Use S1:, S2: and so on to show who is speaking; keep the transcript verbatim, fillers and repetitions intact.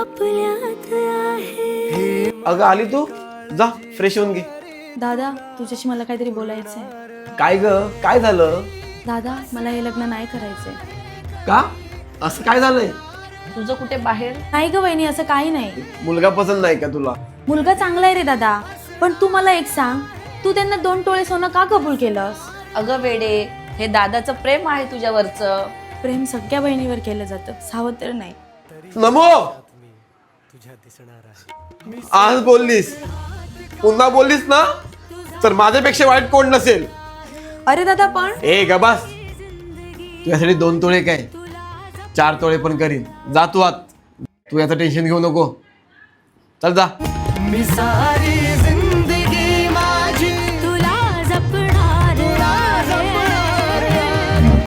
S1: अगं आली तू, जा फ्रेश होऊन घे.
S2: दादा तुझ्याशी मला काहीतरी बोलायचंय.
S1: काय ग, काय झालं?
S2: दादा मला हे लग्न नाही करायचंय.
S1: का? असं काय झालंय?
S3: तुझं कुठे बाहेर?
S2: नाही ग वहिनी, असं काही नाही.
S1: मुलगा पसंत नाही का तुला?
S2: मुलगा चांगला आहे रे दादा, पण तू मला एक सांग, तू त्यांना दोन टोळे सोनं का कबूल केलंस?
S3: अगं वेडे, हे दादाचं प्रेम आहे तुझ्यावरचं.
S2: प्रेम सगळ्या बहिणीवर केलं जातं, सावत्र नाही.
S1: नमो, आज बोललीस, पुन्हा बोललीस ना तर माझ्यापेक्षा वाईट कोण नसेल.
S2: अरे दादा पण
S1: ए ग बस, तुझ्यासाठी दोन तोळे काय चार तोळे पण करीन. जा तू आत, तू याचं टेन्शन घेऊ नको. चल जा.
S4: मी सारी